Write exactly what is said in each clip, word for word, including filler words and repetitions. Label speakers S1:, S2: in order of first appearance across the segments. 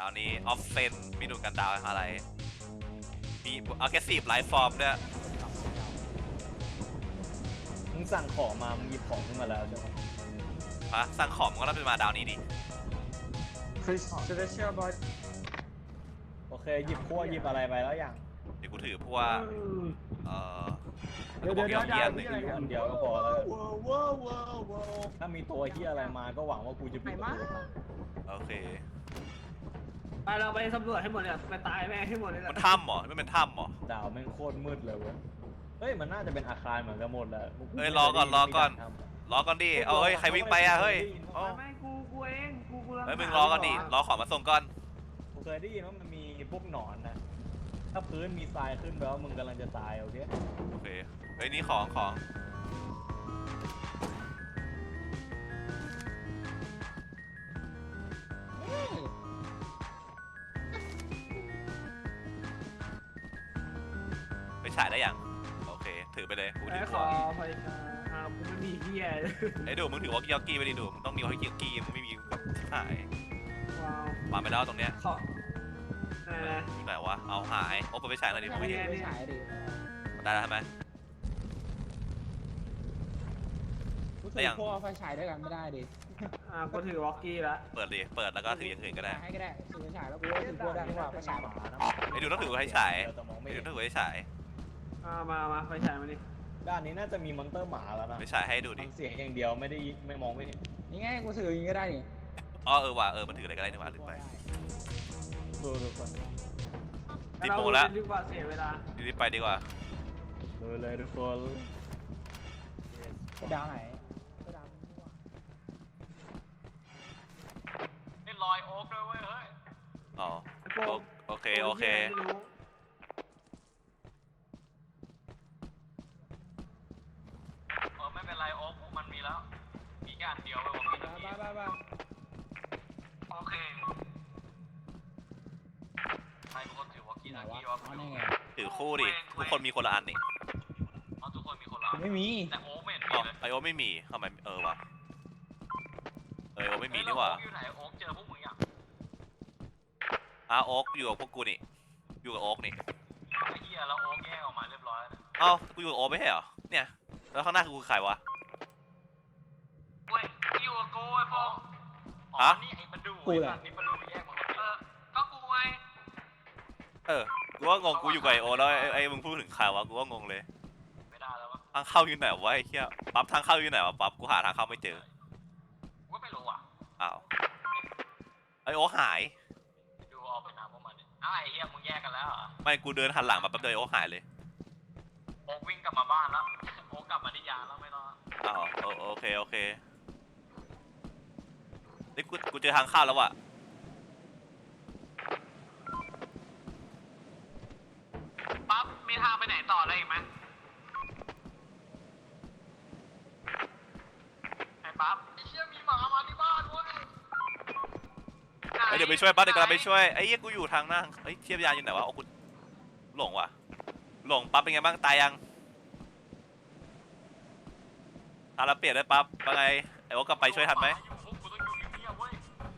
S1: ดาวนี้ออฟเซนมีดูกันดาวอะไรมีอ g เก s ซีฟไลฟ์ฟอร์มด้วย
S2: มึงสั่งของมามึงหยิบของขึ้นมาแล้วใช่ไหม
S1: ฮะสั่งของมันก็ต้องเป็นมาดาวนี้ดิ
S3: Fish Special Boy
S2: โอเคหยิบขั้วหยิบอะไรไปแล้วยัง
S1: เดี๋ยวกูถือพวกเอ่อ
S3: เดี๋ยวเดี๋ยวเดี๋ยว
S1: เยี่ยมหนึ่ง
S2: มีอันเดียวก็พอแล้วถ้ามีตัวเฮียอะไรมาก็หวังว่ากูจะปิดประตู
S1: โอเค
S3: ไปเราไปสำรวจให้หมดเลยไปตายแม่งให้หมดเลย
S1: มันถ้ำเหรอไม่เป็นถ้ำเหรอ
S2: ดาวแม่งโคตรมืดเลยเว้ยเฮ้ยมันน่าจะเป็นอาคารเหมือนกันหมดแหละ
S1: เฮ้ยรอก่อนรอก่อนรอก่อนดิเอาเฮ้ยใครวิ่งไปอะเฮ้ย
S3: ไม่กูกูเองกูกู
S1: เฮ้ยมึงรอก่อนดิรอของมาส่งก่อน
S2: กูเคยได้ยินว่ามันมีพวกหนอนนะถ้าพื้นมีทรายขึ้นแปลว่ามึงกำลังจะตายโอเค
S1: โอเคเฮ้ยนี่ของของไปฉายได้ยังโอเคถือไปเลยกูถือ
S3: ขอไปอ่ากูไม่มีเฮีย
S1: ไอ้ดูมึงถือวอลกี้วอลกี้ไปดิดูมึงต้องมีวอลกี้วอลกี้มึงไม่มีแบบที่หาย
S3: ว้าว
S1: วางไปแล้วตรงเนี้ย
S3: ขอเออ
S1: อยู่ไหนวะเอาหายโอ้ไปฉายหน่อยดิผมไม่เห็น
S3: ไม่ใช่ดิ
S1: ได้แล้วใช่ไหม
S4: รู้สึกพวกไฟฉายด้วยกันไม่ได้ดิ
S3: อ่ากูถือวอกกี้แล้ว
S1: เปิดดิเปิดแล้วก็ถืออย่างอื่นก็ได้
S4: ให้ก็ได้ถือไฟฉายแล้วกูก็ถือพวกได้เพราะว่าไฟฉายหมานะ
S1: ไอ้ดูต้องถือให้ฉาย
S2: แต่มองไม่
S1: ไอ้
S2: เห็
S1: ดู
S2: น
S1: ต้องถือให้ฉาย
S3: อ่ามามาไฟฉายมาดิ
S2: ด้านนี้น่าจะมีมอนเตอร์หมาแล้วนะ
S1: ไปฉายให้ดูดิ
S2: ฟังเสียงอย่างเดียวไม่ได้ไม่มองไม่เห็น
S4: นี่ไงกูถืออย่างนี้ก็ได้นี่
S1: อ๋อเออว่ะเออมันถืออะไรก็ได้นี่หว่าลืมไป
S2: ดูดูก่อน
S1: ติดโปรแล้ว
S3: ดีกว่าเสียเวลา
S1: รีบไปดีกว่า
S2: ดูเลยทุกคน
S4: ดาวไหน
S5: นี่ลอยโอ๊กด้วยเว้ยเฮ้ย
S1: อ๋อโอเคโอเค
S5: เออไม่เป็นไรโอ๊กมันมีแล้ว มีแค่อันเดียวไปบอกพี่
S4: บ้าบ้าบ้า
S5: โอเคใครเป็นคนถือวอกกี้
S4: ไหน
S5: ทัก
S4: วะ
S5: กี้วะ
S4: อ๋อนี่ไง
S1: ถือคู่ดิทุกคนมีคนละอันนี่
S5: อ๋อทุกคนมีคนละ
S4: ไม่มี
S5: แต่โอ๊กไม่เห็น
S1: อ๋
S5: มี
S1: อ
S5: เลย
S1: ไอโอไม่มีทำไมเออว่ะเออโอไม่มีนี่หว่า
S5: โอ๊กอยู่ไหนโอ๊กเจอพวกมึงยัง
S1: อ้าโอ๊กอยู่กับพวกกูนี่อยู่กับโอ๊กนี่
S5: ไอ้เหี้ยแล้วโอ๊กแยกออกมาเรียบร้อยแล้ว
S1: เอ้ากูอยู่กับโอ๊กไม่ใช่เหรอเนี่ยแล้วข้างหน้าคือกูใครวะ
S5: เว้ยอยู่กับกูไอ้พวกอ๋อ
S1: ฮะ
S5: นี่ไอ้บรรดูไอ้สัตว์นี่บรรดูแยกมาคนเดียวเออก็กูไง
S1: เออกูว่างงกูอยู่กับไอโอแล้วไอ้ไอ้มึงพูดถึงใครวะกูว่างงเลย
S5: ไม่ได้แล้ววะ
S1: ทางเข้าอยู่ไหนวะไอ้เหี้ยปั๊บทางเข้าอยู่ไหนวะปั๊บกูหาทางเข้าไม่เจอ
S5: กูก็ไม่รู้อ่ะ
S1: อ้าวไอโอ๊กหาย
S5: ดูออกไปน้ำพวกมันดิอ้าวไอ้เหี้ยมึงแยกกันแล้วเหรอ
S1: ไม่กูเดินหันหลังมาแป๊บเดียวไอโอ๊กหายเลย
S5: โอ๊กวิ่งกลับมาบ้านแล้ว โอ๊กกลับมาที่ยานแล้วไม่รอด
S1: อ้าวโอโอเคโอเคนี่กูกูเจอทางเข้าแล้วว่ะ
S5: ปั๊บมีทางไปไหนต่อได้อีกไหมไอ้ปั๊บไอ้เชี่ยมีหมามาที่บ้านเว้ย
S1: เอ้ยเดี๋ยวไปช่วยปั๊บเดี๋ยวกำลังไปช่วยไอ้เหี้ยกูอยู่ทางหน้าเฮ้ยเทียบยานอยู่ไหนวะโอ้กูหลงว่ะหลงปั๊บเป็นไงบ้างตายยังตาละเปลี่ยนได้ปั๊บว่าไงไอ้โอ๊กกลับไปช่วยทันไหม
S5: อยู่พวกกูต้องอยู่เงียบๆเว้ย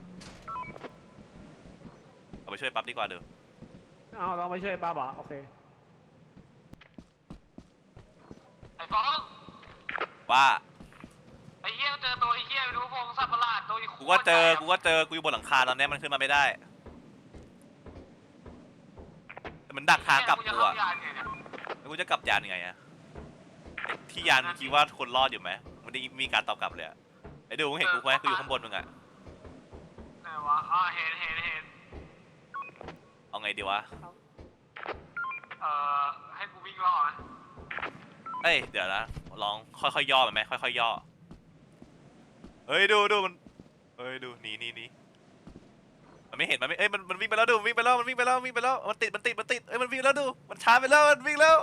S1: เอาไปช่วยปั๊บดีกว่าเดี๋ยว
S3: เอาลองไปช่วยป้าบอกโอเค
S5: ไอ้ฟอง
S1: ว่า
S5: ไอ้เหี้ยเจอตัวไอ้เหี้ยไปดูพงสัตว์ประหลาดตัวอี
S1: กูก็เจอกูก็เจอกูอยู่บนหลังคาตอนนี้มันขึ้นมาไม่ได้แต่มันดักทางกลับ
S5: จะ
S1: กู
S5: เข้า
S1: อะ
S5: ยานไงเนี่ย
S1: แล้วกูจะกลับยานยังไงอะไอ้ที่ยานคิดว่าคนรอดอยู่ไหมมันได้มีการตอบกลับเลยอะไอ้ดูมึงเห็นกูไหมกูอยู่ข้างบนมึงอะ
S5: ไหนวะอ๋อเห็นเห็นเห็น
S1: เอาไงดีวะ
S5: เอ่อให้กูวิ่งรอไหม
S1: เอ้ยเดี๋ยวนะลองค่อยๆย่อมันไหมค่อยๆย่อเฮ้ยดูดูมันเฮ้ยดูหนีหนีหนีมันไม่เห็นมันไม่เอ้ยมันมันวิ่งไปแล้วดูมันวิ่งไปแล้วมันวิ่งไปแล้ววิ่งไปแล้วมันติดมันติดมันติดเอ้ยมันวิ่งแล้วดูมันช้าไปแล้วมันวิ่งแล้ว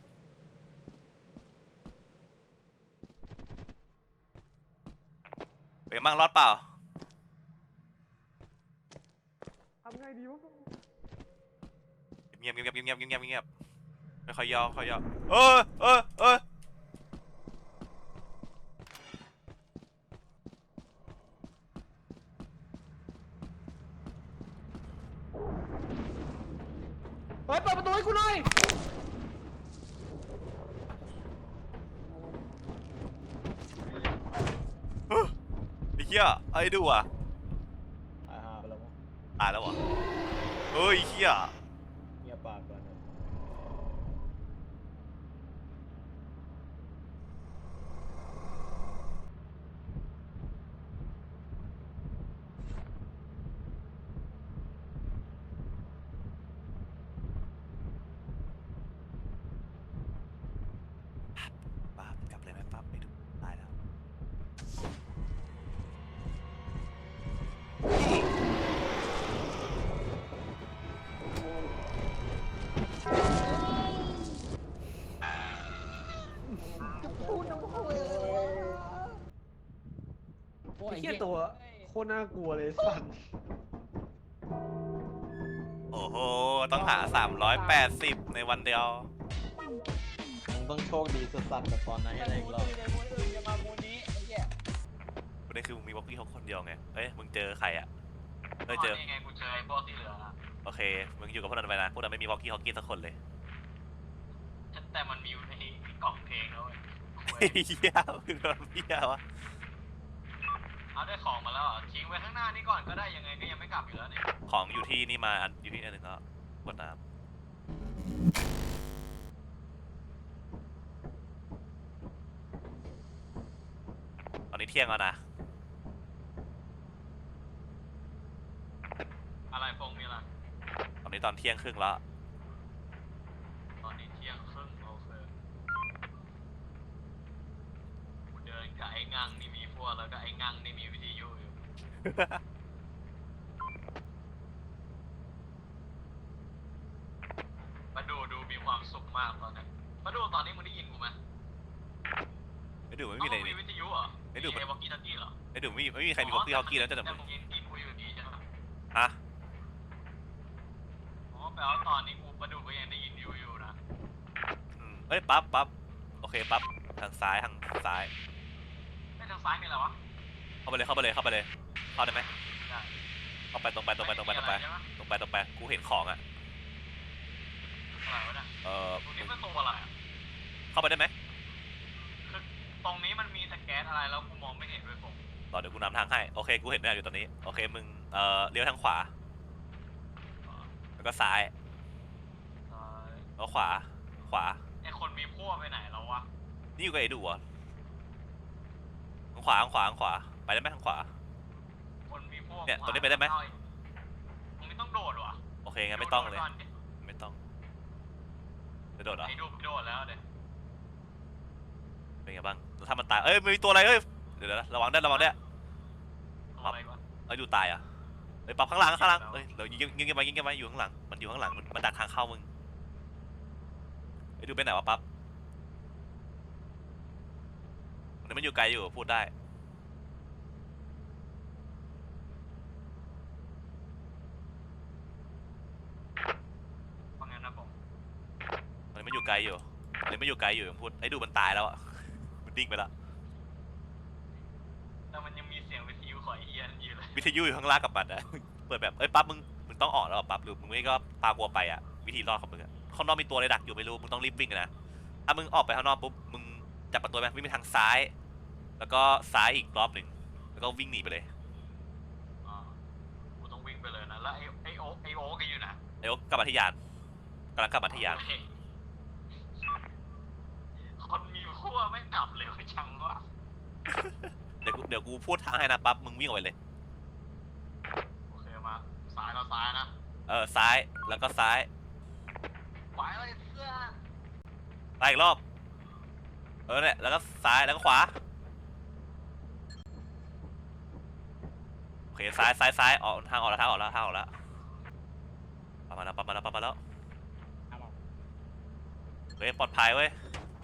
S1: เป็นไงบ้างรอดเปล่า
S3: ทำไงดีวะ
S1: เงียบเงียบเงียบเงียบเงียบเงียบเงียบค่อยๆย่อค่อยๆย่อเออเออเออ
S3: เฮ้ยเปิดประตูให้กูหน่อย
S1: ไอ้เหี้ยไอ้ดูอ่ะ
S2: ตายหาไปแล้วมั้ง
S1: ตายแล้วเหรอเฮ้ยเหี้ย
S2: เงียบปากก่อนนะ
S1: ปั๊บกลับเลยไหมปั๊บไอ้ดูตายแล้ว
S4: โอ้
S3: ไอ้
S4: ย
S3: เหี้ยตัวโคตรน่ากลัวเลยสัน
S1: โอ้โหต้องหาสามร้อยแปดสิบในวันเดียว
S2: มึงต้องโชคดีสัสๆแบบตอนนั้นอะไรอีกรอบ
S4: ในมูนอื่นจะมามูนนี้ไอ้เหี้ย
S1: ประเด็นคือมึงมีบ็อกกี้เขาคนเดียวไงเอ้ยมึงเจอใครอ่ะเฮ้ยเจอ
S5: นี่ไงกูเจอไอ้พวกที่เหลือละ
S1: โอเคมึงอยู่กับพวกนั้นไปนะพวกนั้นไม่มีบ็อกกี้ฮอกกี้สักคนเลย
S5: แต่มันมีอยู่ในกล่องเพลงแล้วเว้ย
S1: เหี้ยมึงโดนเหี้ยวะ
S5: เอาได้ของมาแล้วเหรอทิ้งไว้ข้างหน้านี่ก่อนก็ได้ยังไงก็ยังไม่กลับอยู่แล้วเนี่ย
S1: ของอยู่ที่นี่มาอันอยู่ที่อันหนึ่งก็กดน้ำตอนนี้เที่ยงแล้วนะ
S5: อะไรพงมีอะไร
S1: ตอนนี้ตอนเที่ยงครึ่งแล้ว
S5: ตอนนี้เที่ยงครึ่งโอเคกูเดินกับไอ้งังนี่มีพวกแล้วก็ไอ้งังนี่มีวิทยุอยู่ มาดูดูมีความสุขมากตอนนี้มาดูตอนนี้มึงได้ยินกูไหม
S1: ไอ้ดูไม่มีอะไร
S5: เอ้า
S1: นี่
S5: วิทยุเหรอ
S1: ไอ้ดู
S5: มีไอ้วอกกี้ทักกี้เหรอ
S1: ไอ้ดูไม่มีไม่มีใครมีบ็อกกี้ฮอกกี้แล้วจะแต่
S5: แต่
S1: มึง
S5: มึงยังกินกูอยู่ดีใช่ไหม
S1: ฮะ
S5: อ๋อแปลว่าตอนนี้กูมาดูก็ยังได้ยินอยู่อยู่นะ
S1: อืมเอ้ยปั๊บปั๊บโอเคปั๊บทางซ้ายทางซ้าย
S5: ไม่ทางซ้ายมีอะไรวะ
S1: เข้าไปเลยเข้าไปเลยเข้าไปเลยเข้าได้ไหม
S5: ได้
S1: เข้าไปตรงไปตรงไปตรงไปตรงไป
S5: ม่มีอะรใช่หม
S1: ตรงไปตรงไปกูเห็นของอ่ะ
S5: อะไรวะเนี่ย
S1: เออ
S5: ตรงนี้เป็นตัวอะไรอะ
S1: เข้าไปได้ไหม
S5: คือตรงนี้มันมีแต่แก๊สอะไรแล้วกูมองไม่เห็นด้วยผม
S1: รอเดี๋ยวกูนำทางให้โอเคกูเห็นแมวอยู่ตอนนี้โอเคมึงเอ่อเลี้ยวทางขวาแล้วก็ซ้าย
S5: เอ่อ
S1: แล้วขวาขวา
S5: ไอคนมีพวกไปไหนแล้ววะ
S1: นี่อยู่กับไอ้ดูเหรอทางขวาทางขวาทางขวาไปได้ไหมทางขวา
S5: คนมีพวก
S1: เนี่ยตรงนี้ไปได้ไหม
S5: ตรงนี้ต้องโดดวะ
S1: โอเคงั้นไม่ต้องเลย
S5: โดดก่นดิ
S1: ไม่ต้องจะโดดเหรอ
S5: ไอ้ดูโดดแล้วเด็
S1: เป็นไงบ้างแล้วถ้ามันตายเอ้ยมีตัวอะไรเอ้ยเดี๋ยวนะระวังได้วยระวังได้วย
S5: อะไรวะ
S1: ไอ้ยดูตายอ่ะเอ้ยปรับข้างหลังข้างหลังเอ้ยเดี๋ยวยิงยิงกันไปยิงกันไปอยู่ข้างหลังมันอยู่ข้างหลังมันมันดักทางเข้ามึงไอ้ยดูไปไหนวะปั๊บมันมันอยู่ไกลอยู่พูดได้
S5: ว่างั้นนะผม
S1: มันไม่อยู่ไกลอยู่มันไม่อยู่ไกลอยู่ยังพูดไอ้ดูมันตายแล้วอ่ะมันดิ้งไปแล้ว
S5: แต่มันยังมีเสียงวิทยุของไอ้เอียนอยู่เลย
S1: วิทยุอยู่ข้างล่างกับมันอะเปิดแบบเอ้ยปั๊บมึงมึงต้องออกแล้วเหรอปั๊บหรือมึงไม่ก็ปากัวไปอ่ะวิธีรอดของมึงอะข้างนอกมีตัวอะไรดักอยู่ไม่รู้มึงต้องรีบวิ่งนะถ้ามึงออกไปข้างนอกปุ๊บมึงจับประตูไหมวิ่งไปทางซ้าย แล้วก็ซ้ายอีกรอบหนึ่งแล้วก็วิ่งหนีไปเลย
S5: อ่ากูต้องวิ่งไปเลยนะแล้วไอ้ไอ้โอ๊คไอ้โอ๊คก็อยู่นะ
S1: เดี๋ยวกลับมาที่ยานกำลังกลับมาที่ยาน
S5: เฮ้ยคนมีพวกไม่กลับเลยจังวะ
S1: เดี๋ยวกูเดี๋ยวกูพูดทางให้นะปั๊บมึงวิ่งออกไปเลย
S5: โอเคมาซ้ายเราซ้ายนะ
S1: เออซ้ายแล้วก็ซ้าย
S5: ไปเลยเสื้อ
S1: ไปอีกรอบเออเนี่ยแล้วก็ซ้ายแล้วก็ขวาโอเคซ้ายซ้ายซ้ายออกทางออกแล้วทางออกแล้วทางออกแล้วปั๊บมาแล้วปั๊บมาแล้วปั๊บมาแล้ว
S4: เอามา
S1: เฮ้ยปลอดภัยเว้ย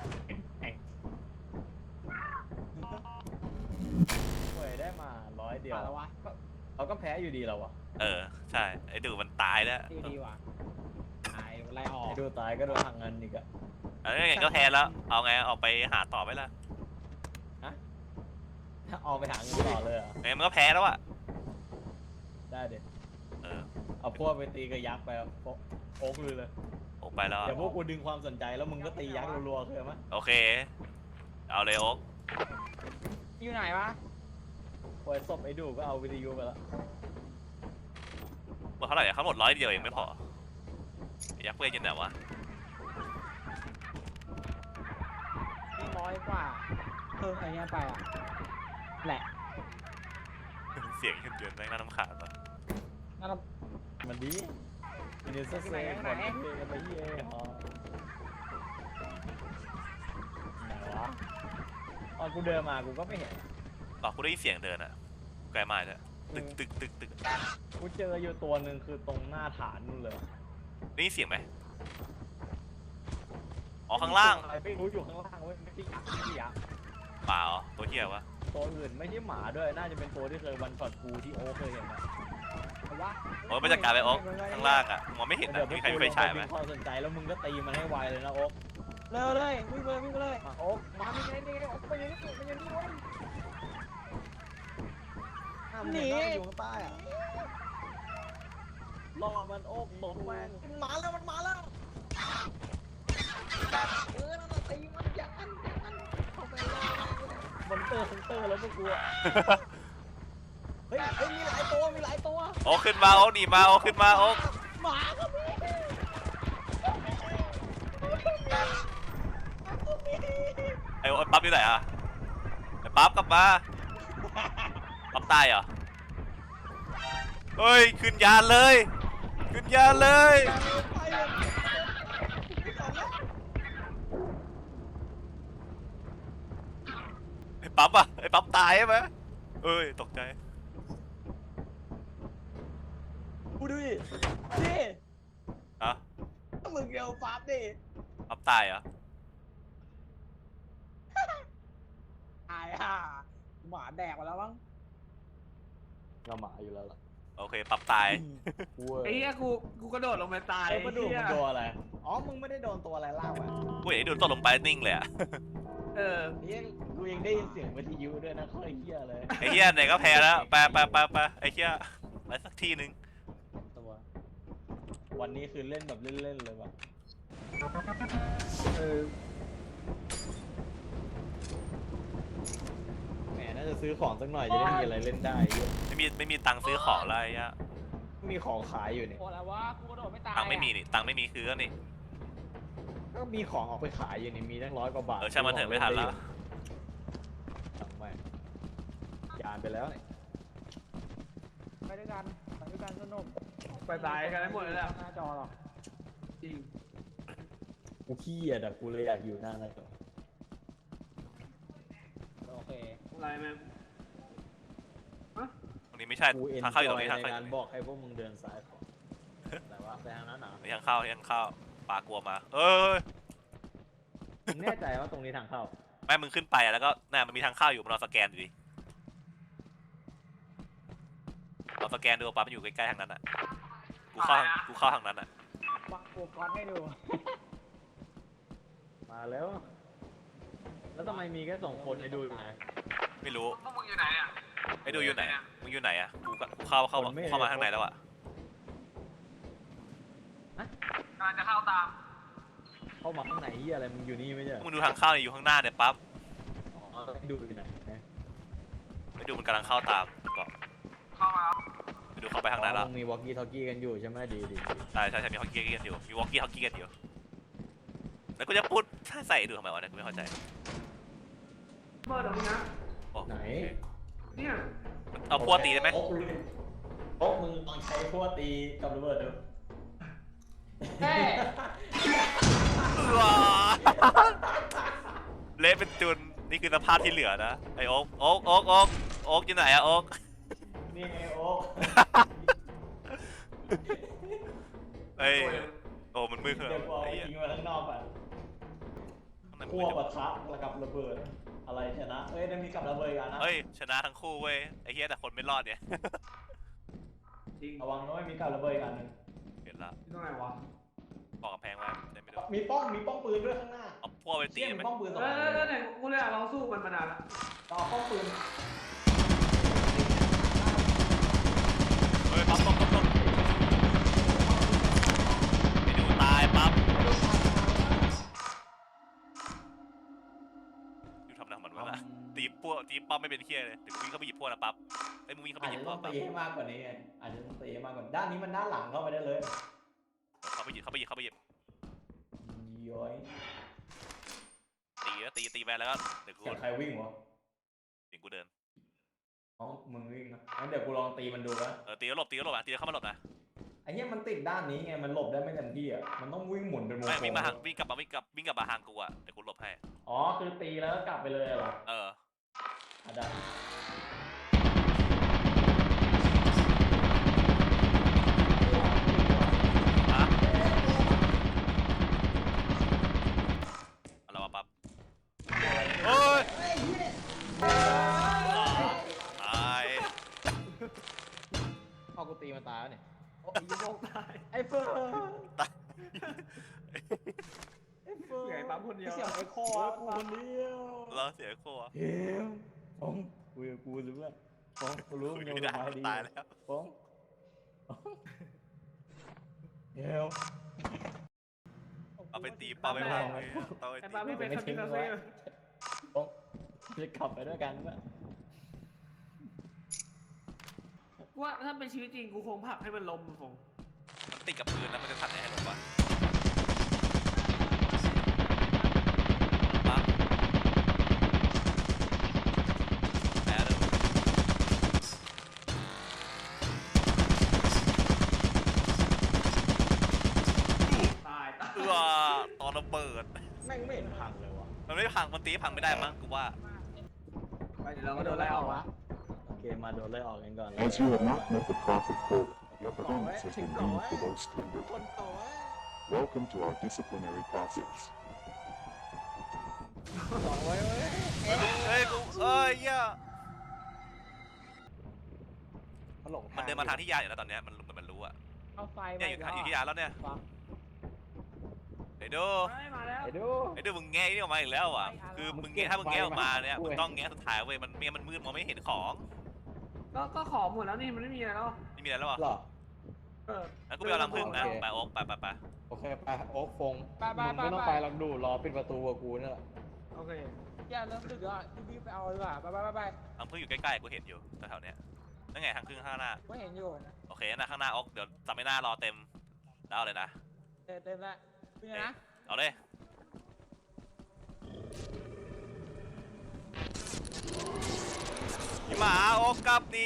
S2: เว้ยได้มาร้อยเดียว
S4: มาแล้ววะ
S2: ก็เราก็แพ้อยู่ดีแล้ววะ
S1: เออใช่ไอ้ดูมันตายแล้ว
S4: ดีดีว่ะตายไล่ออก
S2: ไอ้ดูตายก็โดนหักเงินอีกอะ
S1: เออไงก็แพ้แล้วเอาไงออกไปหาต่อไหมล่ะ
S2: ถ้าเอาไปหาเงินต่อเลยเหรอ
S1: ไงมันก็แพ้แล้วอะ
S2: ได้เด็ด
S1: เเออ
S2: เอาพวกไปตีกับยักษ์ไปอะโอ๊กโอ๊กเลยเลย
S1: โอ๊กไปแล้ว
S2: เดี๋ยวพวกกูดึงความสนใจแล้วมึงก็ตียักษ์รัวๆเคยไหม
S1: โอเคเอาเลยโอ๊ก
S4: อยู่ไหนวะ
S2: ปล่อยศพไอ้ดูก็เอาวิทยุไปแล้ว
S1: หมดเท่าไหร่เขาหมดร้อยเดียวเองไม่พอยักษ์เพื่อนยังไหนวะ
S4: นี่ร้อยกว่าเพิ่มอะไรเงี้ยไปอ่ะแหละ
S1: เสียงขึ้นเดือนแม่งน่ารำคาญปะ
S4: นั่นเรา
S2: มันดีมินิสเซ่คนเท่กันไปเย่ฮะไหนวะตอนกูเดินมากูก็ไม่เห็น
S1: ต่อกูได้ยินเสียงเดินอะไกลมากเลยตึกตึกตึกตึก
S2: กูเจออยู่ตัวหนึ่งคือตรงหน้าฐานนู่นเลย
S1: ได้ยินเสียงไหมอ๋อข้างล่าง
S2: อะไรไม่รู้อยู่ข้างล่างเว้ยไม่ใช่ยักษ์ไม่ใช่ยักษ์
S1: เปล่าตัวเหี้ยวะ
S2: ตัวอื่นไม่ใช่หมาด้วยน่าจะเป็นตัวที่เคยวันช็อตกูที่โอเคยเห็นอะ
S4: เอาวะ
S1: โอ๊กไปจัดการไปโอ๊กข้างล่างอะมองไม่เห็น
S2: เดี๋ย
S1: อะ
S2: วพว
S1: มี
S2: ก
S1: ใคร
S2: กู
S1: มีไฟ
S2: ลง
S1: ฉาย
S2: ไป
S1: ไหม
S2: ดึงความสนใจแล้วมึงก็ตีมันให้ไวเลยนะโอ๊ก
S4: เร็วเลยวิ่งเลยวิ่งเลยมาโอ๊กมาวิ่งเลยนี่โอ๊กไปอยังนี้ไปอยังนี้เว้ย หนี
S2: อยู่ข้างใต้อะล่อมันโอ๊กตกแม่ง
S4: มันมาแล้วมันมาแล้วเออนั่นน่ะตีมันอย่างนั้นอย่างนั้นเข้าไปเลย
S2: มันเตอร์เซนเตอร์แล้วพวกกูอะเฮ้ยเฮ้ยมีหลายตัวมีหลายตัว
S1: โอ๊กขึ้นมาโอ๊กหนีมาโอ๊กขึ้นมาโอ๊ก
S4: หมาก็มี
S1: ไอ้โอ๊กปั๊บอยู่ไหนอะไอ้ปั๊บกลับมาปั๊บตายเหรอเฮ้ยขึ้นยานเลยขึ้นยานเลย
S4: ไปเลย
S1: ไอ้ปั๊บอะไอ้ปั๊บตายใช่ไหมเอ้ยตกใจ
S4: กูดูดิดิ
S1: อะ
S4: มึงเร็วปั๊บดิ
S1: ปั๊บตายเหรอ
S4: ตายอ่ะหมาแดกมาแล้วมั้ง
S2: เราหมาอยู่แล้วล่ะ
S1: โอเคปั๊บตาย
S2: เว้ย
S3: ไอ้เหี้ยกูกูกระโดดลงไปตาย
S2: ไอ้มาดู
S3: เหี้
S2: มั
S3: ย
S2: นโดนอะไรอ๋อมึงไม่ได้โดนตัวอะไรล่ากวะ
S1: กูเห็นไอ้ดูตกลงไปนิ่งเลยอะ
S3: เออ
S2: ไอ้เหี้ยกูยังได้ยินเสียงวิทยุด้วยนะค่อยเฮี้ยเลย
S1: ไอ้เหี้ยไหนก็แพ้แล้วไปไปไปไปไอ้เหี้ยไปสักทีนึง
S2: ตัววันนี้คือเล่นแบบเล่นๆเลยวะ
S4: เออ
S2: แหมน่าจะซื้อของสักหน่อยจะได้มีอะไรเล่นได้เยอะ
S1: ไม่มีไม่มีตังค์ซื้อของอะไรอะ
S2: มีของขายอยู่นี่
S4: โอ้แล้ววะกูกระโดดไม่ตาย
S1: ตังค์ไม่มีนี่ตังค์ไม่มีคือก็นี่
S2: ก็มีของออกไปขายอยู่นี่มีตั้งร้อยกว่าบาท
S1: เออช่างมันเถอะไม่ทันละ
S2: สั่งไปยานไปแล้วนี่
S4: ไปด้วยกันไปด้วยกันสนุก
S3: ไปตายกันให้หมดเลยแหละ
S4: หน้าจอหรอก
S3: จริง
S2: กูขี้อ่ะแต่กูเลยอยากอยู่หน้านั่นก่อน
S4: โอเค
S3: อะไรแม่งฮะ
S1: ตรงนี้ไม่ใช่
S2: กูเอ็น
S1: ทาง
S2: จ
S1: เข้าอยู่ต
S2: อ
S1: รง
S2: ย
S1: นี้
S2: ใน
S1: ทางเข้าอยู่
S2: การ
S1: ตรง
S2: บ
S1: นี้
S2: อกให้พวกมึงเดินซ้ายขวาแต่ว่าไปทางนั้นหนา
S1: ทางเข้าทางเข้าปลากลัวมาเออ
S2: มึงแน่ใจว่าตรงนี้ทางเข้า
S1: แม่มึงขึ้นไปอะแล้วก็น่ามันมีทางเข้าอยู่มันรอสแกนอยู่ดิเราสแกนดูปั๊บมันอยู่ใกล้ๆทางนั้นอ่ะกูเข้าทางกูเข้าทางนั้นอ่ะ
S4: ปักโปกอนให้ดู
S2: มาแล้ว แล้วทำไมมีแค่สองคนให้ดูอยู่ไหน
S1: ไม่รู้
S5: พวกมึงอยู่ไหนอ่ะ
S1: ไอ้ดูอยู่ไหนมึงอยู่ไหนอะกูก็กูเข้าเข้ามาเข้ามาข้างในแล้วอะ
S5: กำลังจะเข้าตาม
S2: เข้ามาข้างในเหียอะไรมึงอยู่นี่ไม่ใช่เหรอ
S1: มึงดูทางเข้าเนี่ยอยู่ข้างหน้าเนี่ยปั๊บ
S2: อ๋อให้ดูอยู่ไหน
S1: ไอ้ดูมันกำลังเข้าตามบอก
S5: เข้ามาแล้ว
S1: ไปดูเข้าไปข้างในแล้ว
S2: มึงมีวอลกี้ทอกกี้กันอยู่ใช่ไหมดีดี
S1: ใช่ใช่ใช่มีฮอกกี้กันอยู่มีวอกกี้ฮอกกี้กันอยู่แล้วกูจะพูดถ้าใส่ดูทำไมวะเนี่ยกูไม่เข้าใจ
S3: เบิร์ดเหรอมึงนะ
S1: โอ้
S2: ไหน
S3: เนี่ย
S1: เอาพวกตีได้ไหม
S2: โอ๊กโอ๊กมึงลองใช้พวกตีกับระเบิดดู
S4: เฮ้ย
S1: ว้าเละเป็นจุนนี่คือสภาพที่เหลือนะไอโอ๊กโอ๊กโอ๊กโอ๊กโอ๊กอยู่ไหนอะโอ๊ก
S2: นี่ไงโอ๊ก
S1: เอ้ยโอ้มันมืดขึ้น
S2: เดี๋ยวกูเอา
S1: ไอ้
S2: ไป
S1: เหี้ย
S2: ทิ้งไว้ข้างนอกก่อน
S1: ข้างในมัน
S2: ขั้
S1: มื
S2: ว
S1: ดอยู่
S2: ปะทะแล้วกับระเบิด อะไรชนะ เอ้ยได้มีกับระเบิดกันนะ
S1: เฮ้ยชนะทั้งคู่เว้ยไอ้เหี้ยแต่คนไม่รอดเนี่ย
S3: จริง
S2: ระวังนะไม่มีกับระเบิดกันหนึ่ง
S1: เห็นละ
S3: ที่ตรงไหนวะ
S1: ปอกกำแพงไว้ได้ไม่โดน
S2: มีป้องมีป้องปืนด้วยข้างหน้า
S1: เอาพวกไปตี
S2: เชี่ย
S1: ได้
S2: มี
S1: ไหม
S2: ป้องปืนสอง
S3: เอ
S2: อัน
S3: อเออเนี่ยกูเลยอยากลองสู้มันมานานละ
S2: ต่อป้องปืน
S1: เฮ้ยปั๊บปั๊บปั๊บปั๊บกี้ป้อมไม่เป็นเคี้ยเลยถึงวิ่งเข้าไปหยิบพวกนะปั๊บไอ้มึงวิ่งเข้าไป
S2: อาจ
S1: หยิบ
S2: จะ
S1: พ
S2: ต้
S1: ว
S2: อก ง
S1: ปั๊บ
S2: ตีให้มากกว่านี้ไงอาจจะต้องตีให้มากกว่าด้านนี้มันด้านหลังเข้าไปได้เลย
S1: เข้าไปหยิบเข้าไปหยิบเข้าไปหยิบ
S2: ย้อย
S1: ตีแล้วตีตีไปแล้วก็เดี๋ยวกู
S2: เสียงใครวิ่งวะ
S1: เดี๋ยวกูเดิน
S2: อ๋อมึงวิ่งนะงั้นเดี๋ยวกูลองตีมันดูนะ
S1: เออตีแล้วหลบตีแล้วหลบอ่ะตีแล้วเข้ามาหลบนะ
S2: ไอ้เหี้ยมันติดด้านนี้ไงมันหลบได้ไม่เต็มที่อ่ะมันต้องวิ่งหมุนเป็นวง
S1: ไม่
S2: กล
S1: วิ่งมาทางวิ่งกลับมาวิ่งกลับวิ่งกลับมาทางกูอ่ะเดี๋ยวกูหลบให้
S2: อ๋อคือตีแล้วก็กลับไปเลยเหรอ
S1: เออ
S2: อ่ะได้
S1: ฮะเอาละวะปั๊บโอ้ยตาย
S2: เอากูตีมันตายแล้วเนี่ย
S3: โอ้ยโยกตาย
S2: ไอ้เฟิร์น
S1: ตาย
S2: ไอ้เฟิร์น
S3: เหนื่อยปั๊มคนเดียว
S2: เสียงไอ้คออ่ะกูคนเดียว
S1: แล้วเสียโคอ่ะ
S2: เฮ้ยฟองคุยกับกูรู้ว่าฟองกูรู้
S1: คุ
S2: มึ
S1: ย
S2: งยัง
S1: ไม่
S2: ส
S1: ได้
S2: บายดี
S1: ตายแล้ว
S2: ฟองเฮ้ย
S1: เอาไปตีป้าไปพังเลยเอาไป
S3: ไอ้
S1: ตี
S3: ปั๊มพี่เป็นคาบินาเซ่
S2: ฟองจะขับไปด้วยกันปะ
S3: ว่าถ้าเป็นชีวิตจริงกูคงผลักให้มันล้มคง
S1: มันติดกับพื้นแล้วมันจะทันไหนให้หลบวะปั๊บแพ้เลย
S3: ตายตาย
S1: เออตอนระเบิด
S2: แม่งไม่เห็นพังเลยวะ
S1: มันไม่พังมันตีพังไม่ได้มั้งกูว่า
S3: ไปเดี๋ยวเราก็โดนไล่ออกวะ
S2: โอเคมาโดนไล่ออกกันก่อน
S6: As you have not met the profit quota, your performance has been deemed below standard.
S2: คนโต
S6: Welcome to our disciplinary process.
S2: สองไว้เว้ย
S1: เฮ้ยกูเอ้ยเหี้ย
S2: มันหลง
S1: มันเดินมาทางที่ยาอยู่แล้วตอนเนี้ยมันเหมือนมันรู้อะ
S4: เอาไฟ
S1: เนี่ยอยู่ทางอยู่ที่ยาแล้วเนี่ย
S4: ฟัง
S1: ไอ้ดู
S3: เฮ้ยมาแล้ว
S2: ไอ้ดู
S1: ไอ้ดูมึงแงะนี่ออกมาอีกแล้วอ่ะคือมึงแงะถ้ามึงแงะออกมาเนี่ยมึงต้องแงะสุดท้ายเว้ยมันเมียมันมืดมองไม่เห็นของ
S3: ก็ก็ขอหมดแล้วนี่มันไม่มีอะไรแล้ว
S1: นี่มีอะไรแล้วอ่ะ
S2: หรอ
S3: เออ
S1: งั้นกูไปเอาลังพึ่งนะ
S2: โอเค
S1: ไปโอ๊กไปไปไป
S2: โอเคไปโอ๊คฟง
S4: ไปไป
S2: มึง
S4: ไป
S2: ไม่ต้อง
S4: ไป
S2: ไปหรอกดูรอปิดประตูกับกูนี่แหละ
S3: โอเค
S4: อย่าเริ่มดึกอ่ะรีบไปเอาดีกว่าไปไปไปไป
S1: ลังพึ่งอยู่ใกล้ๆกูเห็นอยู่แถวๆเนี้ยนั่นไงทางพึ่งข้างหน้า
S4: ไม่เห็นอยู่นะ
S1: โอเคนะข้างหน้าโอ๊กเดี๋ยวจำไม่น่ารอเต็มแล้วเอาเลยนะ
S4: เต็มเต็มแล้วเป็นไงนะ
S1: เอาเลยพี่หมาโอ๊กกลับหนี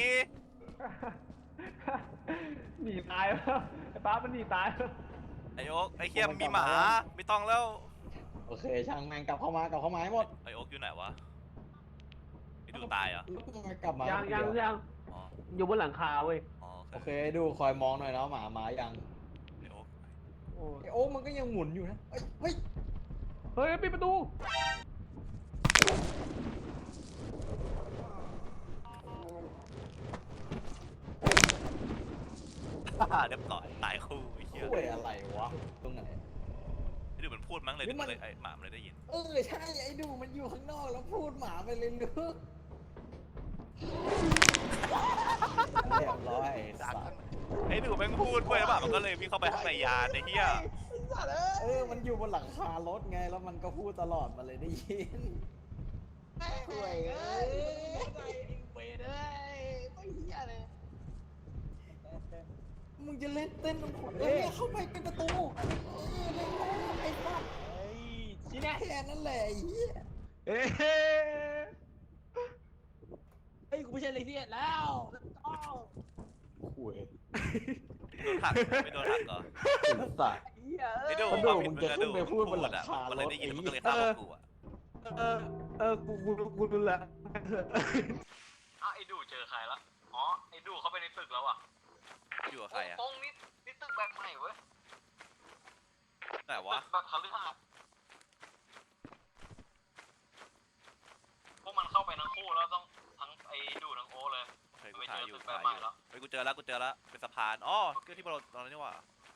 S3: หนีตายแล้วไอ้ป้ามันหนีตายแล้ว
S1: ไอ้โอ๊กไอ้เขี้ยมมีหมาไม่ต้องแล้ว
S2: โอเคช่างแม่งกลับเข้ามากลับเข้ามาให้หมด
S1: ไอ้โอ๊กอยู่ไหนวะไอ้ดูตายเหรอ
S2: กลับมา
S3: ยังยังยัง
S1: อ๋อ
S3: อยู่บนหลังคาเว้ย
S1: อ๋อ
S2: โอเคดูคอยมองหน่อยนะหมามายัง
S1: ไอ้โอ๊ก
S3: โอ้
S2: ไอโอ๊คมันก็ยังหมุนอยู่นะเอ้ยเฮ้ย
S3: เฮ้ยปิดประตู
S1: เรียบร้อยตายคู่ไอ้เหี้ย
S2: คุยอะไรวะตรงไหน
S1: ไอ้ดูมันพูดมั้งเลย
S2: หรือมัน
S1: เลยไอ้หมามันเลยได้ยิน
S2: เออใช่ไอ้ดูมันอยู่ข้างนอกแล้วพูดหมาไปเลยลึกเรียบร้อยสัตว์
S1: ไอ้ดูแม่งพูดเว้ยแล้วหมามันก็เลยวิ่งเข้าไปข้างในยานไอ้เหี้ย
S2: เออมันอยู่บนหลังคารถไงแล้วมันก็พูดตลอดมาเลยได้ยินคุยเอ้ยไปเลยไม่เหี้ยเลยมึงจะเล่นเต้นตรงขนเอ้ยเข้าไปเป็นประตูเออเล่นไอ้สัตว์
S4: เฮ้ย
S2: ชี้แน่แค่นั้นแหละไอ้เหี้ย
S4: เฮ้ยเฮ้ยกูไม่ใช่เลยที่แล้วอ้าว
S2: คุย
S1: โดนหักไม่โดนหักเหรอ
S2: สัตว์
S4: เหี้ย
S1: ไอ้
S4: เอ้ย
S1: ดู
S2: มันดูมึงจะขึ้นไปพูดบนหลังคา
S1: มันเลยได้ยิน
S2: รถ
S1: มันก็เลย
S2: ไอ้
S1: ฆ่า
S2: เหี้ย
S1: พวกกูอะ
S4: เออเออกูกูกูดูแล
S5: อ้าวไอ้ดูเจอใครละอ๋อไอ้ดูเข้าไปในตึกแล้วอ่ะ
S1: อยู่กับใครอะ
S5: โอ้งนี่นี่ตึกแบบใหม่เว้ย
S1: ไหนวะ
S5: ตึกแบบคฤหาสน์พวกมันเข้าไปทั้งคู่แล้วต้องทั้งไอ้ดูทั้งโอเลย
S1: เฮ้ยกูถ่ายอยู่ถ่ายอยู่เฮ้ยกูเจอแล้วกูเจอแล้วเป็นสะพานอ๋อก็ที่เราตอนนั้นนี่หว่า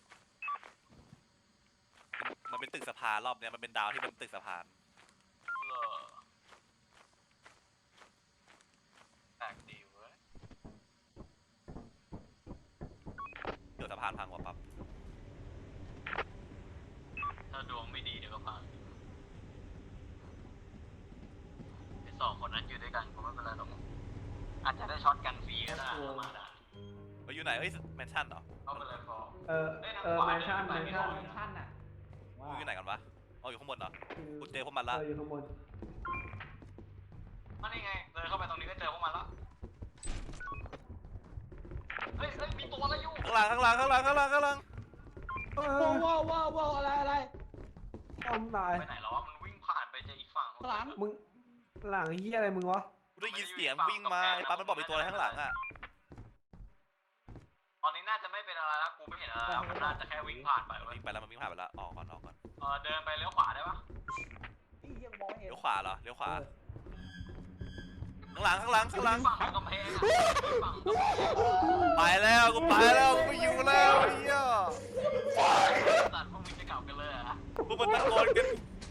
S1: มันเป็นตึกสะพานรอบเนี้ยมันเป็นดาวที่เป็นตึกสะพาน
S5: เหรอแปลกดีเว้ย
S1: เดี๋ยวสะพานพังว่ะปั๊บ
S5: ถ้าดวงไม่ดีเดี๋ยวก็พังไอ้สองคนนั้นอยู่ด้วยกันก็ไม่เป็นไร
S1: อยู่ไหนเอ้ยแมนชั่นเหรอ
S5: เอาไปเลยพอ
S3: เออเออแมนชั่นแมนชั่น
S4: แมนชั่นอ่ะว่า
S1: มึงอยู่ไหนกันวะอ๋ออยู่ข้างบนเหรอ
S3: คือ
S1: กูเจอพวกมันละ
S3: เอออยู่ข้างบน
S5: มันนี่ไงเดินเข้าไปตรงนี้ก็เจอพวกมันแล้วเฮ้ยเฮ้ยมีตัวอะไรอยู่
S1: ข้างหลังข้างหลังข้างหลังข้างหลังข้างหลัง
S3: เอ
S4: ว้า
S3: อ
S4: วว้าวว้าวว้าวอะไรอะไร
S3: ต้อมตาย
S5: ไปไหนแล้ววะมันวิ่งผ่านไปเจออีกฝั่ง
S4: หลัง
S3: มึงหลังเฮียอะไรมึงวะ
S1: กูได้ยินเสียงวิ่งมาไอ้ปั๊บมันบอกมีตัวอะไรข้างหลังอ่ะ
S5: ตอนนี้น่าจะไม่เป็นอะไรแล้วกูไม่เห็นอะไรแล้วมันน่าจะแค่วิ่งผ่านไป
S1: มัน
S5: เว้ย
S1: วิ่งไปแล้วมันวิ่งผ่านไปแล้วออกก่อนออกก่อน
S5: เออเดินไปเลี้ยวขวาได้ปะ
S4: พี่ยังมองไม่เห็น
S1: เลี้ยวขวาเหรอเลี้ยวขวาข้างหลังข้างหลังข้างหลัง
S5: ฝั่งกำแพงอะฝั่งกำแพง
S1: ไปแล้วกูไปแล้วกูไม่อยู่แล้วไอ้เหี้ย
S5: สัตว์พวกมึงจะกลับกันเลยเหรอ
S1: พวกมันตะโกนกัน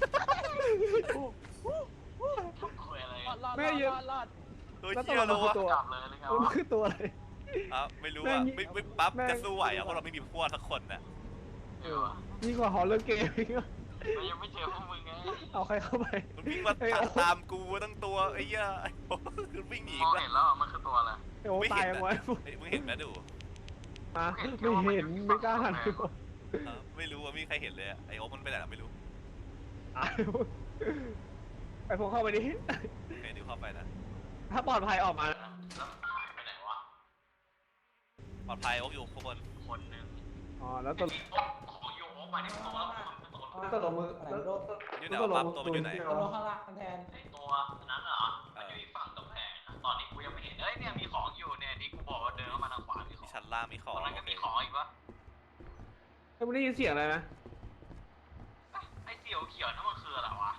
S5: ทำคุยอะไร
S4: รอ
S5: กัน
S4: ดรอดรอดรอด
S1: ตัวเหี้ยแล้ววะ
S5: กลับเลยหรือไง
S3: มัน
S5: วะ
S3: คือตัวอะไร
S1: อ่ะไม่รู้อ่ะไม่ไม่ปั๊บ
S3: แม่ง
S1: จะสู้ไหวอ่ะเพราะเราไม่มีพวกสักคนน่ะ
S5: เออ
S3: ยิ่งกว่าฮอลเลอร์เกมอีกอะ
S5: มันยังไม่เจอพวกมึงไง
S3: เอาใครเข้าไป
S1: มันวิ่งมาตามกูตั้งตัวไอ้เหี้ยไอ้โอ้คือวิ่งหนี
S5: มอง
S1: แล้ว
S5: เห็นแล้วมันคือตัวอะไร
S3: ไอ้โอ้ตายยังไง
S1: เฮ้ยมึงเห็นไหมดู
S3: ฮะไม่เห็นไม่กล้าหันไปบอก
S1: เออไม่รู้ว่ามีใครเห็นเลยอะไอ้โอ๊คมันไปไหนล่ะไม่รู้
S3: ตายไปพวกเข้าไปดิ
S1: ไอ้ดิวเข้าไปนะ
S3: ถ้าปลอดภัยออกมา
S5: แล้วหายไปไหนวะ
S1: ปลอดภัยโอ๊คอยู่ข้างบน
S5: คนหนึ่ง
S3: อ๋อแล้วต
S5: ไอ้
S3: ก
S5: ที่โอ๊ะของอยู่โอ๊ะมาที่ตัวแล้วมันเป็นตัว
S3: แล้วตกลงมือ
S4: อะไร
S3: แล้ว
S4: โดน
S1: อยู่ไหนวะปั๊บตัวมันอยู่ไหน
S4: โดนข้างล่างแทน
S5: ไอ้ตัวนั้นเหรอมันอยู่อีกฝั่งกำแพงนะตอนนี้กูยังไม่เห็นเอ้ยเนี่ยมีของอยู่เนี่ยที่กูบอกว่าเดินเข้ามาทางขวามีของ
S1: ชั้นล่างมีข
S5: ต
S1: อง
S5: รงนั้นก็
S1: โอเค
S5: มีของอีกวะ
S3: เฮ้ยมึงได้ยินเสียงอะไรไหม
S5: เอ้ยไอ้เขียวเขียวนั่นมันคืออะไรวะ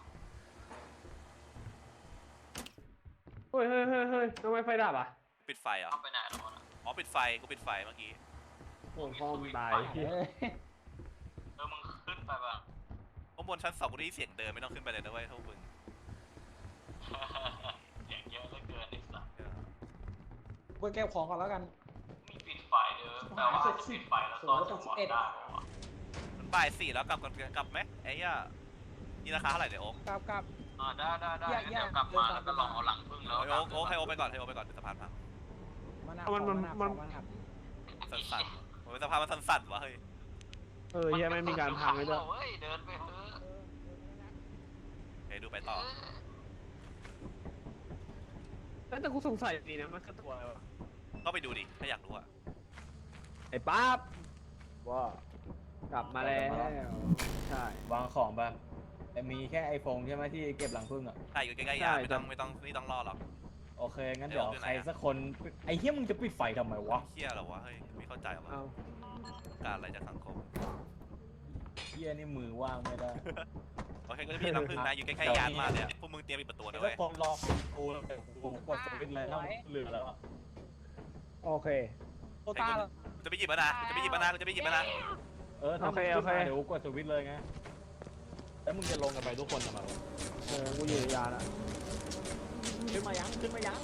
S3: เฮ้ยเฮ้ยเฮ้ยเฮ้ยทำไมไฟดับอ่ะ
S1: ปิดไฟเหรอ
S5: เอาไปไหนแล้ววะน่ะ
S1: อ๋อปิดไฟกูปิดไฟเมื่อกี้
S3: โอ้พ่อมึงตาย
S4: เอ้ย
S5: เออมึงขึ้นไปปะ
S1: ข้างบนชั้นสองกูได้ยินเสียงเดินไม่ต้องขึ้นไปเลยนะเว้ยเท่ามึง
S5: เสียงเยอะเหลือเกินไอ้สัส
S1: เออ
S4: เปิดแก้วของก่อนแล้วกัน
S5: มีปิดไฟเด้อแปลว่าจะปิดไฟแล้วตอนจังหวะได้ปะวะ
S1: มันบ่ายสี่แล้วกลับกันกลับไหมไอ้เหี้ยนี่ราคาเท่าไหร่เนี่ยโอ๊ค
S4: กลับกลับ
S5: อ่าได้ได้ได้
S4: แยก
S5: งั้น
S4: แยก
S5: เดี๋ยวกลับมาแล้วก็ลองเอาหลังพึ่งแล้ว
S1: โอ๊คโอ๊คให้โอ๊คไปก่อนให้โอ๊คไปก่อนเดี๋ยวสะพานพัง
S4: มัน
S3: มันมันมัน
S1: สั่นๆโอ้ยสะพานมันสั่นๆวะเฮ้ย
S3: เออเฮียไม่มีการพังเลยด้วย
S5: เว้ยเดินไปเถอะ
S1: เฮ้ยดูไปต่อ
S3: แต่กูสงสัยดีนะมันคือตัวอะไรวะ
S1: ก็ไปดูดิถ้าอยากรู้อะ
S3: ไอ้ป๊าบว่ากลับมาแล้วใช่
S7: วางของแบบแต่มีแค่ไอโฟนใช่ไหมที่เก็บหลังพึ่งอ่ะ
S1: ใช่อยู่ใกล้ๆยาไม่ต้องไม่ต้องไม่ต้องรอหรอก
S7: โอเค งั้นเดี๋ยวใครสักคน ไอเฮียมึงจะปิดไฟทำไมวะ
S1: เฮียเหรอวะเฮ้ยไม่เข้าใจวะ
S3: เอา
S1: การอะไรจากสังคม
S7: เฮียนี่มือว่างไม่ได้
S1: โอเคก็จะพี่น้ำพึ่งนะอยู่ใกล้ๆยานมากเลยอะพวกมึงเตรียมปิดประตูนะ
S7: แล้
S1: เว้
S7: วย คนรอกูแล้วแต่กูกดสวิตช์เลยแล้วลืมแล้วอะ
S3: โอเค
S4: โตต้าเหรอ
S1: กูจะไปหยิบมานะกูจะไปหยิบมานะกูจะไปหยิบมานะ
S7: เออถ้ามึงขึ้นมาเดี๋ยวกูกดสวิตช์เลยไง แล้วมึงจะลงกันไปทุกคนทำไมวะ
S3: โอ้กูอยู่ในยาแล้ว
S4: ขึ้นมายังขึ้นมายัง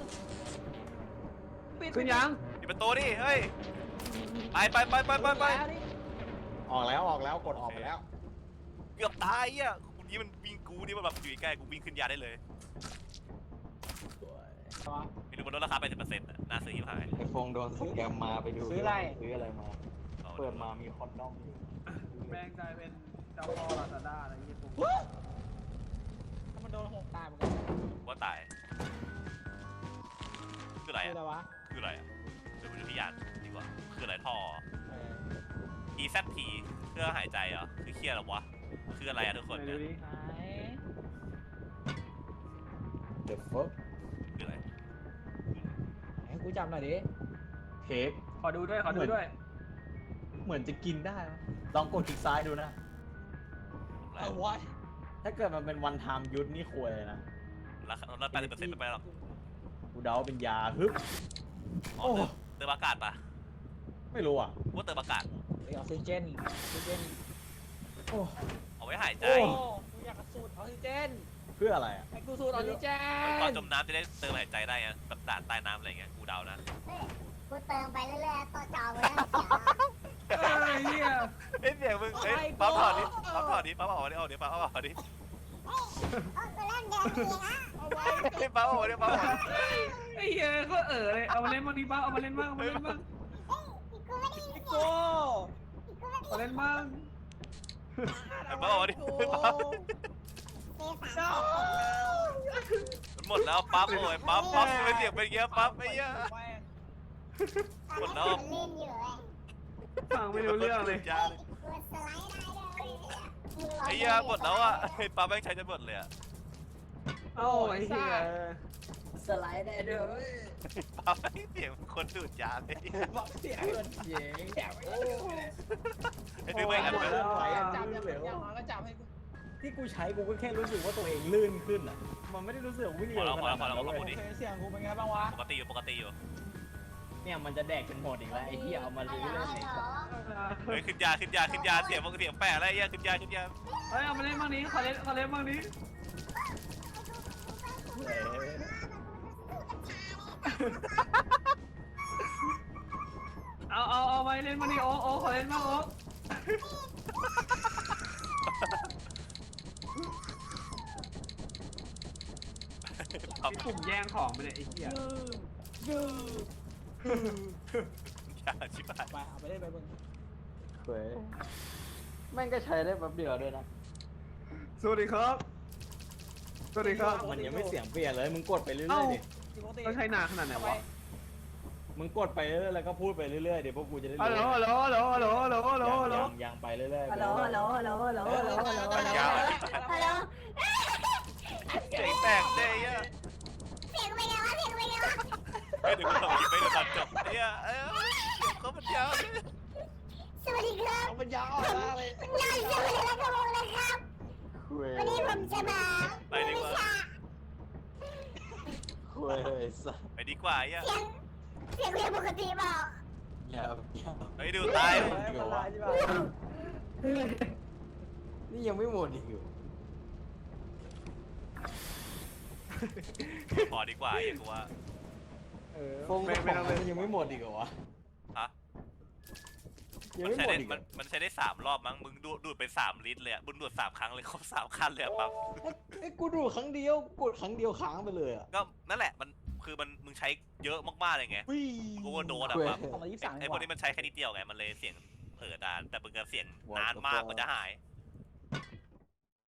S3: ขึ้นยัง
S1: ปิดประตูดิเฮ้ยไปไปไปไปไปไป
S4: แล้วนี่
S7: ออกแล้วออกแล้วกดออกไปแล้ว
S1: เกือบตายอ่ะคุณนี้มันวิ่งกูนี่มันแบบอยู่ใกล้กูวิ่งขึ้นยาได้เลย ไม่รู้มันลดราคาไปสิบเปอร์เซ็นต์น่าซื้อที่ขาย
S7: ไอโฟนโดนสแกมมาไปดู
S4: ซื้ออะไร
S7: ซื้ออะไรมา เปิดมามีคอนดอมอยู่
S3: แม่งกลายเป็นเจ้าพ่อลาซาด้าอะไรอย่างเงี้ยผม
S4: ถ้ามันโดนหกตายเหมือนกัน
S1: ว่าตายคืออะไร
S4: คือ
S1: อ่ะ
S4: อะไรวะ
S1: คืออะไรอ่ะเดี๋ยวไปดูที่ยานดีกว่าคืออะไรท่อ
S4: เออ
S1: E Z P เครื่องหายใจเหรอคือเครียดเหรอวะคืออะไรอ่ะทุกคน
S3: ไหน
S1: เนี่
S3: ดู
S1: ย
S3: ดิ
S4: ไหน
S7: เดอะเฟิร์
S1: คืออะไร
S4: ให้กูจำหน่อยดิ
S7: เค้ก
S3: ขอดูด้วยขอดูด้วย
S7: เหมือนจะกินได้นะลองกดคลิกซ้ายดูนะ
S1: อะไร
S4: เอาวะ
S7: ถ้าเกิดมันเป็นวันไทม์ยุทธนี่ควยเลยนะ
S1: ราคาลดแปดสิบเปอร์เซ็นต์ไม่ไปหรอก
S7: กูเดาเป็นยาฮึบ
S1: อ๋อเติมเติมอากาศปะ
S7: ไม่รู้อ่ะ
S1: ว่าเติมอากาศ
S4: เฮ้ยออกซิเจนออกซิเจน
S7: โอ้
S1: เอาไว้หายใจ
S4: โอ้กูอยากสูดออกซิเจน
S7: เพื่ออะไรอ่ะ
S4: ให้กูสูดออกซิเจ
S1: ตอน
S4: น
S1: จมน้ำจะได้เติมหายใจได้ไงแบบด่านใต้น้ำอะไรเงี้ยกูเดานะ
S8: กูเติมไปเรื่อยๆตัวจอกูเริ่มเสีย
S3: เอ้ยเหี้ย
S1: เอ้ยเสียงมึงเอ้ยปั๊บถอดดิปั๊บถอดดิปั๊บออกมาดิเอาเดี๋ยวปั๊บออกมาดิ
S8: เออกูเริ่มเดินเองอ่ะ
S4: เอาไว้
S1: เฮ้ยปั๊บออกมาดิปั๊บออกมา
S3: ไอ้เหี้ยก็เออเลยเอามาเล่นบ้างดิบ้างเอามาเล่นบ้างเอามาเล่นบ้าง
S8: อีก
S3: เล่นมั่ง
S1: ไอ้ป๊อปบอกว่าดิไอ้ป๊อป
S8: เมษา
S1: มันหมดแล้วปั๊บโอ้ยปั๊บปั๊บทำไมเสียงเป็นอย่างเงี้ยปั๊บไอ้เหี้ย หมดแล้ว
S8: มันเล่นอยู่เลย
S3: ฟังไม่รู้เรื่องเลย
S1: จ้าเลย
S8: กดสไลด์ได้เลย
S1: ไอ้เหี้ยหมดแล้วอ่ะไอ้ปั๊บแม่งใช้จนหมดเลยอ่ะ
S3: โอ้ยเฮีย
S2: สไลด์ได้ด้วย
S1: ปั๊บแม่งเสียงคนดูดยาเลย
S2: บอกเสียงเงินเย้งโอ้
S1: ไอ้นึกไม่กัน
S2: หม
S1: ไป
S2: ด
S1: แล้
S2: แล้ว วไหวอ่ะ
S4: จับ
S2: ลื่
S4: ยัง
S2: นเหลว
S4: ยังน้อยก็จับให้กู
S7: ที่กูใช้กูก็แค่รู้สึกว่าตัวเองลื่นขึ้นอ่ะ มันไม่ได้รู้สึกวิ่ง
S1: พอ
S7: เร็
S1: แล้ว
S7: ว
S1: พ
S7: ข
S1: อ
S7: นา
S1: แล้
S7: ด
S1: วพอ
S7: นั้น
S1: แล้ว
S7: เลย
S1: ก็พูดดิ
S4: เสียงกูเป็นไงบ้างวะ
S1: ปกติอยู่ปกติอยู่
S7: เนี่ยมันจะแดกจนหมดอีกแล้วไอ้ที่เอามา
S8: ฮัล
S7: เรื่
S8: โหล
S7: อย
S8: ฮัลโหล
S1: เฮ้ยขึ้นยาขึ้นยาขึ้นยาเสียงเสียงแปะอะไรเงี้ยขึ้นยาขึ้นยา
S3: เฮ้ยเอามาเล่นบ้างนี้ขอเล่นขอเล่นบ้างนี้เอาเอาเอาไปเล่นบ้างนี้โอ้โอ้ขอเล่นบ้างโอ้
S1: ปั๊บ
S3: ไอ้กลุ่มแย่งของไปเลยไอ้เหี้ย
S1: ยาชิบหาย
S4: ไปเอาไปเล่นไปเบิ่ง
S7: ๆเว้ยแม่งก็ใช้ได้แป๊บเดียวด้วยนะ
S3: สวัสดีครับสวัสดีครับ
S7: มันยังไม่เสียงเปลี่ยนเลย มึงกดไปเรื่
S3: เอ้า
S7: อยๆดิ
S4: ปกติ
S3: ต้องใช้นานขนาดไหนวะ
S7: มึงกดไปเรื่อยๆแล้วก็พูดไปเรื่อยๆเดี๋ยวพวกกูจะได้
S3: ฮัลโหล
S7: รู้
S3: ฮัลโหลฮัลโหลฮัลโหลฮัลโหลฮัลโหลฮัลโหล
S7: ยังยังไปเรื่อยๆ
S8: ฮัลโหลฮัลโหลฮัลโหลฮัลโหลฮัลโหลฮัลโหลฮัลโหล
S1: ยา
S8: ฮัลโหล
S1: เสียงแตกเจ๊อ่ะ
S8: เสียงเป็นไงวะเสียงเป็นไงวะ
S1: ไม่ถึงก็ไม่ได้ตัดจบไอ้เหี้ยเอ้ยเสียงเขามันยาว
S8: สวัสดีครับ
S2: เอาปัญญาอ่อนมากเลย
S8: นายสวัสดีและกระโมงนะครับ
S7: คุย
S8: วันนี้ผมจะมา
S1: ไปดีกว่า
S7: คุยเลยสัส
S1: ไปดีกว่าไอ้เหี้ย
S8: เสียงเสียงเรียนปกติเปล่า
S7: อย่าอย่า
S1: เฮ้ยดูตาย
S2: อันตรายใช่ป่ะ
S7: นี่ยังไม่หมดอีกเหรอ
S1: ขอดีกว่าไอ้เหี้ยกูว่า
S3: เออ
S7: ฟง
S3: ไม่
S7: ไม่
S3: ไม่ต้อง
S7: มั
S3: เล่น
S7: นยังไม่หมดอีกเหรอวะ
S1: ฮะ
S7: ยัง
S1: มัน
S7: ไม่
S1: ใช้
S7: หมด
S1: ได้
S7: อีกเหร
S1: มั
S7: อน
S1: มันใช้ได้สามรอบมั้งมึงดูดดูดไปสามลิตรเลยอ่ะมึงดูดสามครั้งเลยครบสามคันเลยอะปั๊บ
S7: ไอ้ยกูดูครั้งเดียวกดครั้งเดียวค้างไปเลยอ่ะ
S1: ก็นั่นแหละมันคือมันมึงใช้เยอะมากๆเลยไง
S7: วิ่
S1: กูว่าโดนอะปั๊บ
S4: สองร้อยยี่สิบสาม
S1: ไอ้พวกนี้มันใช้แค่นิดเดียวไงมันเลยเสียงเผลอนานแต่มึงก็เสียงนานมากกว่าจะหาย